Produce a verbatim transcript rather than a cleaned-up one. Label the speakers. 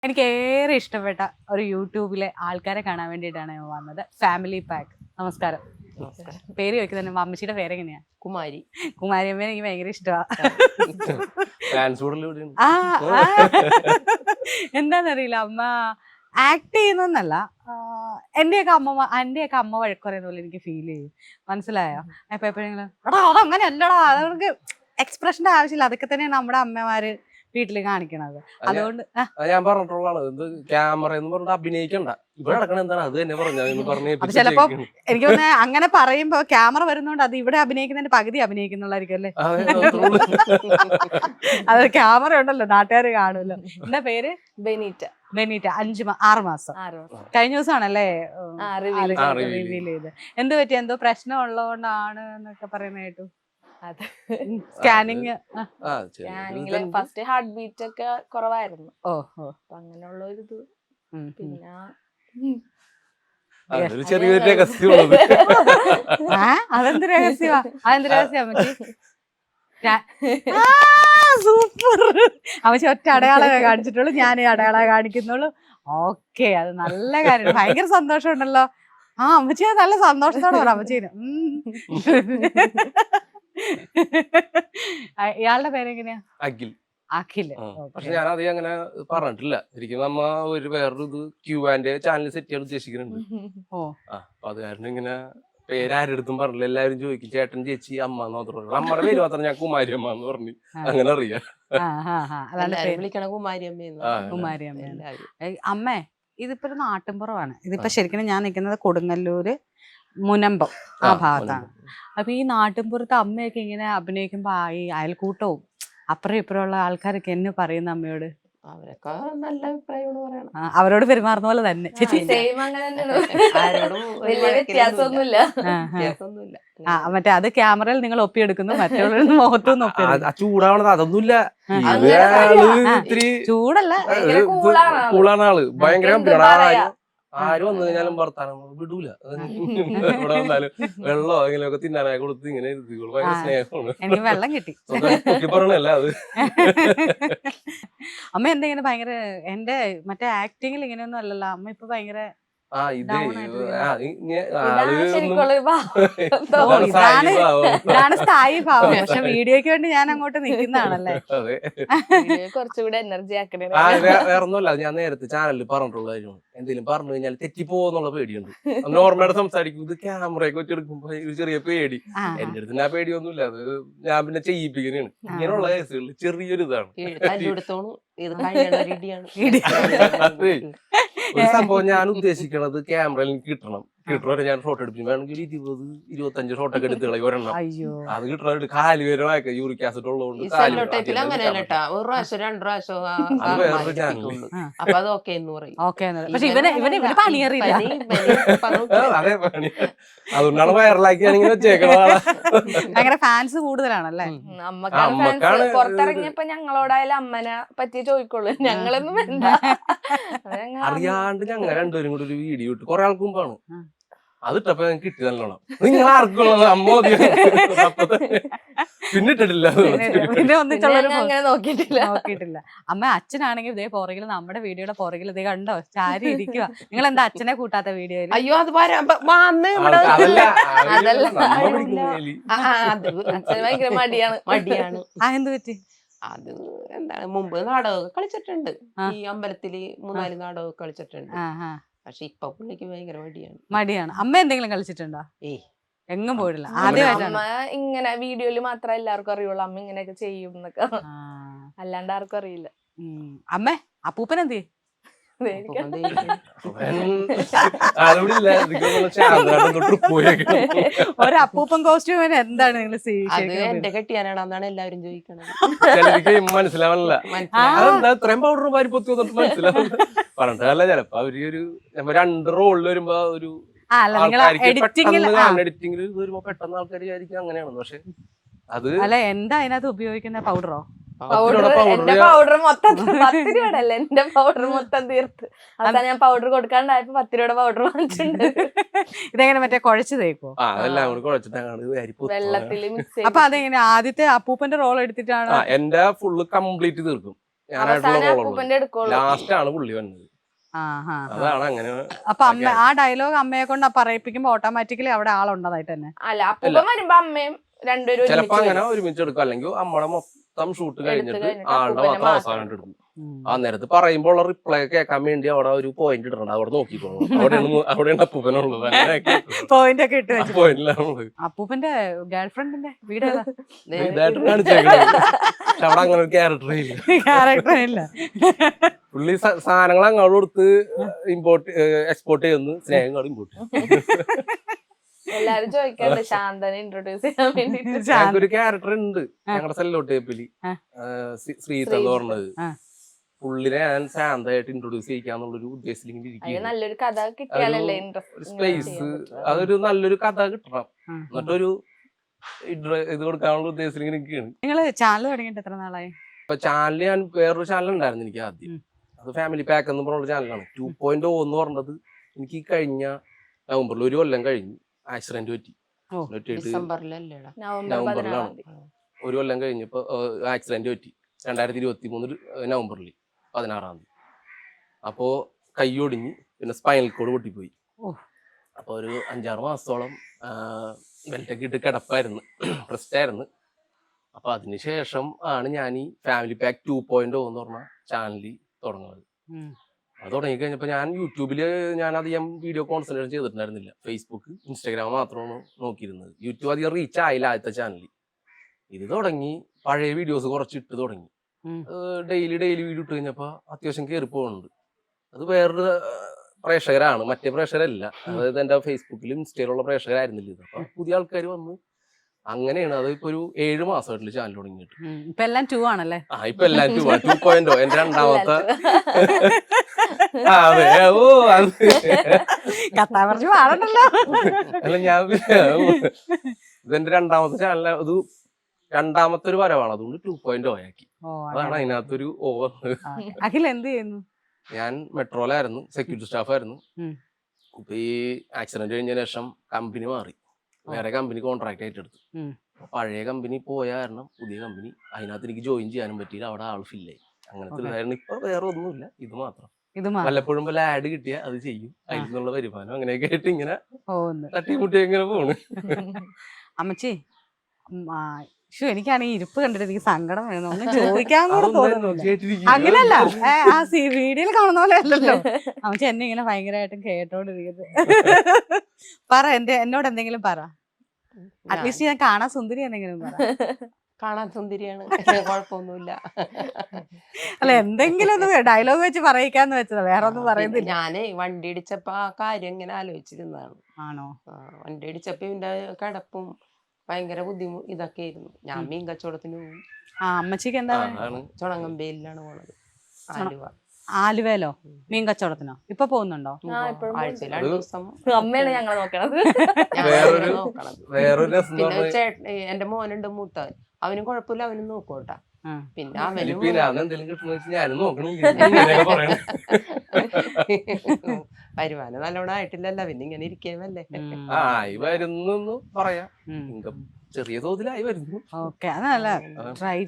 Speaker 1: എനിക്ക് ഏറെ ഇഷ്ടപ്പെട്ട ഒരു യൂട്യൂബിലെ ആൾക്കാരെ കാണാൻ വേണ്ടിയിട്ടാണ് ഞാൻ വന്നത്. Family pack. നമസ്കാരം. പേര് ചോദിക്കുന്നത് തന്നെ അമ്മച്ചിയുടെ പേരെങ്ങനെയാ?
Speaker 2: കുമാരി.
Speaker 1: കുമാരി അമ്മയെ എനിക്ക് ഭയങ്കര ഇഷ്ടമാണ്. എന്താന്നറിയില്ല, അമ്മ ആക്ട് ചെയ്യുന്നല്ല, എന്റെയൊക്കെ അമ്മ എന്റെയൊക്കെ അമ്മ വഴക്കുറയുന്ന പോലെ എനിക്ക് ഫീൽ ചെയ്യും. മനസ്സിലായോ? അപ്പൊ എപ്പോഴെങ്കിലും എടാ അതങ്ങനെ അല്ലടാ, അതവർക്ക് എക്സ്പ്രഷന്റെ ആവശ്യമില്ല, അതൊക്കെ തന്നെയാണ് നമ്മുടെ അമ്മമാര് വീട്ടില് കാണിക്കണത്. അതുകൊണ്ട്
Speaker 3: ഞാൻ പറഞ്ഞിട്ടുള്ളതാണ്, ഇത് ക്യാമറ എന്ന് പറഞ്ഞിട്ട് അഭിനയിക്കണ്ട, ഇവിടെ നടക്കണ എന്താണ് അത് തന്നെ പറഞ്ഞു.
Speaker 1: അപ്പൊ ചിലപ്പോ എനിക്ക് തോന്നുന്നു അങ്ങനെ പറയുമ്പോ ക്യാമറ വരുന്നോണ്ട് അത് ഇവിടെ അഭിനയിക്കുന്നതിന്റെ പകുതി അഭിനയിക്കുന്നുള്ളായിരിക്കും അല്ലേ? അത് ക്യാമറ ഉണ്ടല്ലോ, നാട്ടുകാര് കാണുമല്ലോ. എന്താ പേര്?
Speaker 2: ബെനീറ്റ.
Speaker 1: ബെനീറ്റ. അഞ്ച് ആറ് മാസം കഴിഞ്ഞ ദിവസമാണല്ലേ റിവീൽ ചെയ്ത്. എന്ത് പറ്റി? എന്തോ പ്രശ്നം ഉള്ളതുകൊണ്ടാണ് എന്നൊക്കെ പറയുന്ന കേട്ടു. സ്കാനിങ്
Speaker 2: സ്കാനിങ്ങില് ഫസ്റ്റ് ഹാർട്ട് ബീറ്റ് ഒക്കെ കുറവായിരുന്നു.
Speaker 1: ഓഹോ,
Speaker 2: അങ്ങനെയുള്ള ഒരു ഇത്. പിന്നെ
Speaker 3: ചെറിയൊരു രഹസ്യമുള്ളത്.
Speaker 1: അതെന്ത് രഹസ്യമാ? അതെന്ത് രഹസ്യം അമ്മച്ചി? സൂപ്പർ. അമ്മച്ചി ഒറ്റ അടയാളമേ കാണിച്ചിട്ടുള്ളൂ, ഞാൻ അടയാളമേ കാണിക്കുന്നുള്ളൂ. ഓക്കെ, അത് നല്ല കാര്യം. ഭയങ്കര സന്തോഷം ഉണ്ടല്ലോ. ആ അമ്മച്ചി അത് നല്ല സന്തോഷത്തോടെ പറ അമ്മച്ചീന്. ഇയാളുടെ പേരെങ്ങനെയാ?
Speaker 3: അഖിൽ.
Speaker 1: അഖില്.
Speaker 3: പക്ഷെ ഞാൻ അത് അങ്ങനെ പറഞ്ഞിട്ടില്ല. ശരിക്കും നമ്മ ഒരു വേറൊരു ഇത് ക്യൂ ആൻഡ് ചാനൽ സെറ്റ് ചെയ്യാൻ ഉദ്ദേശിക്കുന്നുണ്ട്. അപ്പൊ അത് കാരണം ഇങ്ങനെ പേരാരെടുത്തും പറഞ്ഞില്ല. എല്ലാവരും ചോദിക്കും ചേട്ടൻ ചേച്ചി അമ്മ എന്ന് മാത്രം. നമ്മുടെ പേര് മാത്രം ഞാൻ കുമാരി അമ്മ എന്ന് പറഞ്ഞു അങ്ങനെ അറിയാം.
Speaker 2: വിളിക്കണ കുമാരി അമ്മ.
Speaker 1: കുമാരി അമ്മ. അമ്മേ, ഇതിപ്പോ ഒരു നാട്ടിൻപുറമാണ്. ഇതിപ്പോ ശരിക്കും ഞാൻ നിൽക്കുന്നത് കൊടുങ്ങല്ലൂര് മുനമ്പം ആ ഭാഗത്താണ്. അപ്പൊ ഈ നാട്ടിൻപുറത്ത് അമ്മയൊക്കെ ഇങ്ങനെ അഭിനയിക്കുമ്പോ ഈ അയൽക്കൂട്ടവും അപ്പുറം ഇപ്പുറം ഉള്ള ആൾക്കാരൊക്കെ എന്നെ പറയുന്ന അമ്മയോട്
Speaker 2: അവരൊക്കെ നല്ല അഭിപ്രായമാണ് പറയണം.
Speaker 1: അവരോട് പെരുമാറുന്ന പോലെ തന്നെ. ആ മറ്റേ അത് ക്യാമറയിൽ നിങ്ങൾ ഒപ്പിയെടുക്കുന്നു, മറ്റുള്ളവരുടെ മുഖത്തുനിന്ന് ഒപ്പിയെടുക്കുന്നു.
Speaker 3: ചൂടാവണത് അതൊന്നുമില്ല,
Speaker 1: ചൂടല്ല,
Speaker 3: കൂളാണ് ആള്. ഭയങ്കര ആര് വന്നു കഴിഞ്ഞാലും വർത്താനം വിടൂല. ഇവിടെ വന്നാലും വെള്ളമോ എങ്ങനെയൊക്കെ തിന്നാനായി കൊടുത്ത് ഇങ്ങനെ ഇരുത്തിക്കോളൂ. ഭയങ്കര സ്നേഹമാണ്.
Speaker 1: എനിക്ക് വെള്ളം കിട്ടി
Speaker 3: പറഞ്ഞല്ല അത്.
Speaker 1: അമ്മ എന്തെങ്കിലും ഭയങ്കര എന്റെ മറ്റേ ആക്ടിങ്ങിൽ ഇങ്ങനെയൊന്നും അല്ലല്ലോ അമ്മ. ഇപ്പൊ ഭയങ്കര
Speaker 3: ആ ഇത്
Speaker 1: ഇതാണ് സ്ഥായി ഭാവം. പക്ഷെ വീഡിയോക്ക് വേണ്ടി ഞാൻ അങ്ങോട്ട് നിൽക്കുന്നതാണല്ലേ.
Speaker 2: കുറച്ചുകൂടെ എനർജി ആക്കണേ.
Speaker 3: വേറൊന്നുമല്ല, ഞാൻ നേരത്തെ ചാനലിൽ പറഞ്ഞിട്ടുള്ള കാര്യമാണ്. എന്തെങ്കിലും പറഞ്ഞു കഴിഞ്ഞാൽ തെറ്റിപ്പോന്നുള്ള പേടിയുണ്ട്. നോർമലായിട്ട് സംസാരിക്കും, ഇത് ക്യാമറയൊക്കെ വെച്ചെടുക്കുമ്പോ ഒരു ചെറിയ പേടി. എന്റെ അടുത്ത് ആ പേടിയൊന്നുമില്ല, അത് ഞാൻ പിന്നെ ചെയ്യിപ്പിക്കുന്നതാണ്. ഇങ്ങനെയുള്ള കേസുകളിൽ ചെറിയൊരു ഇതാണ്. ഒരു സംഭവം ഞാൻ ഉദ്ദേശിക്കണത് ക്യാമറയിൽ എനിക്ക് കിട്ടണം. കിട്ടണ ഞാൻ ഷോട്ട് എടുപ്പിക്കും. വേണമെങ്കിൽ ഒരു ഇരുപത് ഇരുപത്തഞ്ച് ഷോട്ടൊക്കെ എടുത്ത് കളയും ഒരെണ്ണം. അത് കിട്ടണ കാല് പേരൊക്കെ യൂറിക് ആസിഡ് ഉള്ളതുകൊണ്ട് അതുകൊണ്ടാണ് വൈറലാക്കി ഞാനിങ്ങനെ വെച്ചേക്കണത്.
Speaker 1: അങ്ങനെ ഫാൻസ് കൂടുതലാണല്ലേ?
Speaker 2: അമ്മക്കാണ് പുറത്തിറങ്ങിയപ്പോ ഞങ്ങളോടായാലും അമ്മനെ പറ്റി ചോദിക്കുള്ളൂ, ഞങ്ങളൊന്നും വേണ്ട.
Speaker 3: അറിയാണ്ട് ഞങ്ങൾ രണ്ടുപേരും കൂടി ഒരു വീഡിയോ ഇട്ട് കുറെ ആൾക്ക് മുമ്പാണ്. അതിട്ടപ്പോ ഞങ്ങൾക്ക് കിട്ടി നല്ലോണം. നിങ്ങൾ ആർക്കുള്ളത് അമ്മ പിന്നിട്ടിട്ടില്ല,
Speaker 1: നോക്കിയിട്ടില്ല. അമ്മ അച്ഛനാണെങ്കിൽ ഇതേ പുറകിൽ നമ്മുടെ വീഡിയോയുടെ പുറകിൽ ഇതേ കണ്ടോ ചാരി ഇരിക്കുക. നിങ്ങൾ എന്താ അച്ഛനെ കൂട്ടാത്ത വീഡിയോയിൽ?
Speaker 2: അയ്യോ അത് അച്ഛന് ഭയങ്കര മടിയാണ് മടിയാണ്
Speaker 1: ആ എന്ത് പറ്റി?
Speaker 2: അത് എന്താണ്, മുമ്പ് നാടകമൊക്കെ കളിച്ചിട്ടുണ്ട്, ഈ അമ്പലത്തില് മൂന്നാല് നാടകമൊക്കെ കളിച്ചിട്ടുണ്ട്. പക്ഷെ ഇപ്പൊ പുള്ളിക്ക് ഭയങ്കര മടിയാണ്.
Speaker 1: മടിയാണ്. അമ്മ എന്തെങ്കിലും കളിച്ചിട്ടുണ്ടോ?
Speaker 2: ഏയ്
Speaker 1: എങ്ങും പോയിട്ടില്ല.
Speaker 2: അമ്മ ഇങ്ങനെ വീഡിയോയില് മാത്രമേ എല്ലാവർക്കും അറിയുള്ളൂ അമ്മ ഇങ്ങനെയൊക്കെ ചെയ്യും എന്നൊക്കെ, അല്ലാണ്ട് ആർക്കും അറിയില്ല.
Speaker 1: അമ്മേ, അപ്പൂപ്പൻ എന്ത് ചെയ്യും? ഒരപ്പൂപ്പൻ കോസ്റ്റ്യൂമിന് എന്താണ് നിങ്ങൾ?
Speaker 2: അത് എന്റെ കെട്ടിയാനാണെന്നാണ് എല്ലാവരും ചോദിക്കണത്.
Speaker 3: മനസ്സിലാവണില്ല, ഇത്രയും പൗഡർ വാരി പൊത്തി മനസ്സിലാവില്ല. പറഞ്ഞിട്ടല്ല, ചിലപ്പോ അവര് ഒരു രണ്ട് റോളിൽ വരുമ്പോ ഒരു എഡിറ്റിംഗിൽ വരുമ്പോ പെട്ടെന്ന് ആൾക്കാർ വിചാരിക്കും അങ്ങനെയാണ്. പക്ഷെ അത്
Speaker 1: അല്ല, എന്താ അതിനകത്ത് ഉപയോഗിക്കുന്ന പൗഡറോ?
Speaker 2: പൗഡർ എന്റെ പൗഡർ മൊത്തം പത്ത് രൂപയുടെ അല്ല, എന്റെ പൗഡർ മൊത്തം തീർത്ത് അതാ ഞാൻ പൗഡർ കൊടുക്കാണ്ടായപ്പോ പത്ത് രൂപയുടെ പൗഡർ വാങ്ങിച്ചിട്ടുണ്ട്.
Speaker 1: ഇതെങ്ങനെ മറ്റേ കുഴച്ച് തേക്കോ?
Speaker 2: വെള്ളത്തില് മിക്സ്.
Speaker 1: അപ്പൊ അതെങ്ങനെ ആദ്യത്തെ അപ്പൂപ്പന്റെ റോൾ എടുത്തിട്ടാണ്?
Speaker 3: എന്റെ ഫുള്ള് കംപ്ലീറ്റ് തീർക്കും. ഞാനായിട്ടുള്ള
Speaker 4: അപ്പൂപ്പന്റെ എടുക്കുള്ളൂ.
Speaker 3: ലാസ്റ്റ് ആണ് പുള്ളി വന്നത്.
Speaker 1: ആഹാ.
Speaker 3: അതാണ് അങ്ങനെ.
Speaker 1: അപ്പൊ അമ്മ ആ ഡയലോഗ് അമ്മയെ കൊണ്ട് പറയിപ്പിക്കുമ്പോ ഓട്ടോമാറ്റിക്കലി അവിടെ ആളുണ്ടതായിട്ട് തന്നെ.
Speaker 4: അല്ല അപ്പൂപ്പൻ വരുമ്പോ അമ്മയും രണ്ടുപേരും
Speaker 3: ചിലപ്പോ അങ്ങനെ ഒരുമിച്ച് എടുക്കും, അല്ലെങ്കിൽ നമ്മളെ മൊത്തം ഷൂട്ട് കഴിഞ്ഞിട്ട് ആളുടെ മാത്രം അവസാനം എടുക്കും. ആ നേരത്ത് പറയുമ്പോ ഉള്ള റിപ്ലൈ കേൾക്കാൻ വേണ്ടി അവിടെ ഒരു പോയിന്റ് ഇടണം, അവിടെ നോക്കിക്കോളൂ. അവിടെയാണ് അവിടെയാണ് അപ്പൂപ്പനുള്ളത്.
Speaker 1: പോയിന്റ് ഒക്കെ ഇട്ട് വെച്ചു.
Speaker 3: പോയിന്റിലാണ്
Speaker 1: അപ്പൂപ്പന്റെ ഗേൾഫ്രണ്ടിന്റെ വീട്
Speaker 3: ഇതായിട്ട് കാണിച്ചേക്കുന്നത്. പക്ഷെ അവിടെ അങ്ങനെ ഒരു ക്യാരക്ടർ ഇല്ല.
Speaker 1: ക്യാരക്ടർ ഇല്ല.
Speaker 3: പുള്ളി സാധനങ്ങൾ അങ്ങോട്ട് കൊടുത്ത് ഇമ്പോർട്ട് എക്സ്പോർട്ട് ചെയ്യുന്നു, സ്നേഹം കൂടെ ഇമ്പോർട്ട്
Speaker 4: എല്ലാരും ചോദിക്കാറുണ്ട് ശാന്തനെ ഇൻട്രൊഡ്യൂസ് ചെയ്യാൻ വേണ്ടിട്ട്.
Speaker 3: ഞങ്ങൾക്ക് ഒരു ക്യാരക്ടർ ഉണ്ട് ഞങ്ങളുടെ സെല്ലോട്ട് ടേപ്പില്, ശ്രീത്ത് എന്ന് പറഞ്ഞത്. പുള്ളിനെ ഞാൻ ശാന്തമായിട്ട് ഇൻട്രൊഡ്യൂസ് ചെയ്യിക്കാന്നുള്ളൊരു ഉദ്ദേശത്തിൽ ഇങ്ങനെ ഇരിക്കും.
Speaker 4: നല്ലൊരു കഥ കിട്ടിയാലല്ലേ
Speaker 3: സ്പേസ്, അതൊരു നല്ലൊരു കഥ കിട്ടണം, എന്നിട്ടൊരു ഇത് കൊടുക്കാനുള്ള ഉദ്ദേശത്തിൽ ഇങ്ങനെ നിൽക്കുകയാണ്.
Speaker 1: നിങ്ങള് ചാനൽ തുടങ്ങിയിട്ട് എത്ര നാളായി?
Speaker 3: ഇപ്പൊ ചാനൽ ഞാൻ വേറൊരു ചാനൽ ഉണ്ടായിരുന്നു എനിക്ക് ആദ്യം, അത് ഫാമിലി പാക്ക് എന്ന് പറഞ്ഞ ചാനലാണ്. ടു പോയിന്റ് ഓ എന്ന് പറഞ്ഞത് എനിക്ക് കഴിഞ്ഞ നവംബറിൽ ഒരു കൊല്ലം കഴിഞ്ഞു ആക്സിഡന്റ് പറ്റി. നവംബറിലാണ് ഒരു കൊല്ലം കഴിഞ്ഞപ്പോ ആക്സിഡന്റ് പറ്റി, രണ്ടായിരത്തി ഇരുപത്തി മൂന്ന് നവംബറിൽ പതിനാറാം തീയതി. അപ്പോ കൈ ഒടിഞ്ഞ് പിന്നെ സ്പൈനൽ കോഡ് പൊട്ടിപ്പോയി. അപ്പൊ ഒരു അഞ്ചാറ് മാസത്തോളം ബെൽറ്റൊക്കെ ഇട്ട് കിടപ്പായിരുന്നു, റെസ്റ്റ് ആയിരുന്നു. അപ്പൊ അതിനുശേഷം ആണ് ഞാൻ ഈ family pack two point O എന്ന് പറഞ്ഞ ചാനലിൽ തുടങ്ങുന്നത്. അത് തുടങ്ങി കഴിഞ്ഞപ്പോ ഞാൻ യൂട്യൂബില് ഞാൻ അധികം വീഡിയോ കോൺസെൻട്രേറ്റ് ചെയ്തിട്ടുണ്ടായിരുന്നില്ല. ഫേസ്ബുക്ക്, ഇൻസ്റ്റാഗ്രാം മാത്രമാണ് നോക്കിയിരുന്നത്. യൂട്യൂബ് അധികം റീച്ച് ആയില്ല ആദ്യത്തെ ചാനലിൽ. ഇത് തുടങ്ങി പഴയ വീഡിയോസ് കുറച്ച് ഇട്ട് തുടങ്ങി. ഡെയിലി ഡെയിലി വീഡിയോ ഇട്ട് കഴിഞ്ഞപ്പോ അത്യാവശ്യം കയറി പോകുന്നുണ്ട്. അത് വേറൊരു പ്രേക്ഷകരാണ്, മറ്റേ പ്രേക്ഷകരല്ല. അതായത് എന്റെ ഫേസ്ബുക്കിലും ഇൻസ്റ്റയിലുള്ള പ്രേക്ഷകരായിരുന്നില്ല ഇത്. അപ്പൊ പുതിയ ആൾക്കാർ വന്ന് അങ്ങനെയാണ്. അത് ഇപ്പൊ ഒരു ഏഴ് മാസമായിട്ടില്ല ചാനൽ തുടങ്ങിയിട്ട്.
Speaker 1: ഇപ്പൊ എല്ലാം ടു ആണല്ലേ?
Speaker 3: ആ ഇപ്പൊ എല്ലാം ടു ആ ടു പോയിന്റ് എന്റെ രണ്ടാമത്തെ. അതെ, ഓ അത്
Speaker 1: കത്താൻ പറഞ്ഞു പാടണ്ടല്ലോ.
Speaker 3: അല്ല ഞാൻ ഇതെന്റെ രണ്ടാമത്തെ ചാനൽ, അത് രണ്ടാമത്തെ ഒരു വരവാണ്, അതുകൊണ്ട് ടു പോയിന്റ് ഓ ആക്കി. അതാണ് അതിനകത്തൊരു ഓവർ.
Speaker 1: അഖിൽ എന്ത് ചെയ്യുന്നു?
Speaker 3: ഞാൻ മെട്രോയിലായിരുന്നു, സെക്യൂരിറ്റി സ്റ്റാഫ് ആയിരുന്നു. ഇപ്പൊ ഈ ആക്സിഡന്റ് കഴിഞ്ഞ ശേഷം കമ്പനി മാറി, വേറെ കമ്പനി കോൺട്രാക്ട് ആയിട്ട് എടുത്തു. പഴയ കമ്പനി പോയ കാരണം പുതിയ കമ്പനി, അതിനകത്ത് എനിക്ക് ജോയിൻ ചെയ്യാനും പറ്റിയില്ല, അവിടെ ആൾ ഫില്ലായി. അങ്ങനത്തെ ഇതായിരുന്നു. ഇപ്പൊ വേറെ ഒന്നുമില്ല, ഇത് മാത്രം. വല്ലപ്പോഴും വല്ല ആഡ് കിട്ടിയ അത് ചെയ്യും, അതിൽ നിന്നുള്ള വരുമാനം അങ്ങനെയൊക്കെ ആയിട്ട് ഇങ്ങനെ തട്ടിമുട്ടി ഇങ്ങനെ പോണ്.
Speaker 1: അമ്മച്ചി, എനിക്കാണെങ്കിൽ ഇരിപ്പ് കണ്ടിട്ട് എനിക്ക് സങ്കടം വരുന്നു, ഒന്നും ചോദിക്കാൻ കൂടെ തോന്നുന്നു. അങ്ങനെയല്ല, ആ വീഡിയോയിൽ കാണുന്ന പോലെ അല്ലല്ലോ അമ്മച്ചി എന്നെ ഇങ്ങനെ ഭയങ്കരമായിട്ടും കേട്ടോണ്ടിരിക്കുന്നത്. പറ, എന്റെ എന്നോട് എന്തെങ്കിലും പറ. അറ്റ്ലീസ്റ്റ് ഞാൻ കാണാൻ സുന്ദരി എന്തെങ്കിലും പറ.
Speaker 2: കാണാൻ സുന്ദരിയാണ്, കുഴപ്പമൊന്നുമില്ല.
Speaker 1: അല്ല, എന്തെങ്കിലും ഒന്ന് ഡയലോഗ് വെച്ച് പറയിക്കാന്ന് വെച്ചതാ, വേറെ ഒന്നും പറയുന്നില്ല.
Speaker 2: ഞാനേ വണ്ടി ഇടിച്ചപ്പോ ആ കാര്യം ഇങ്ങനെ ആലോചിച്ചിരുന്നതാണ്.
Speaker 1: ആണോ?
Speaker 2: വണ്ടി ഇടിച്ചപ്പോ ഇതിന്റെ കിടപ്പും ഭയങ്കര ബുദ്ധിമുട്ട് ഇതൊക്കെ ആയിരുന്നു. ഞാൻ മീൻ കച്ചവടത്തിന് പോകും.
Speaker 1: ആ അമ്മച്ചിക്ക് എന്താ?
Speaker 2: ചുണങ്ങമ്പേലിലാണ് പോണത്, ആലുവ.
Speaker 1: ആലുവയിലോ? മീൻ കച്ചവടത്തിനോ? ഇപ്പൊ പോകുന്നുണ്ടോ?
Speaker 2: ആഴ്ചയിൽ രണ്ടു ദിവസം
Speaker 4: അമ്മയാണ് ഞങ്ങളെ നോക്കണത്.
Speaker 2: പിന്നെ ചേട്ടൻ, എന്റെ മോനുണ്ട് മൂത്തവൻ, അവനും കുഴപ്പമില്ല, അവനും നോക്കോട്ടാ. പിന്നെ അവനും വരുമാനം നല്ലോണം ആയിട്ടില്ലല്ലോ, പിന്നെ ഇങ്ങനെ ഇരിക്കേമല്ലേ.
Speaker 3: ആയി വരുന്നു പറയാം, ചെറിയ തോതിലായി വരുന്നു.
Speaker 1: ഓക്കെ, അതല്ല ട്രൈ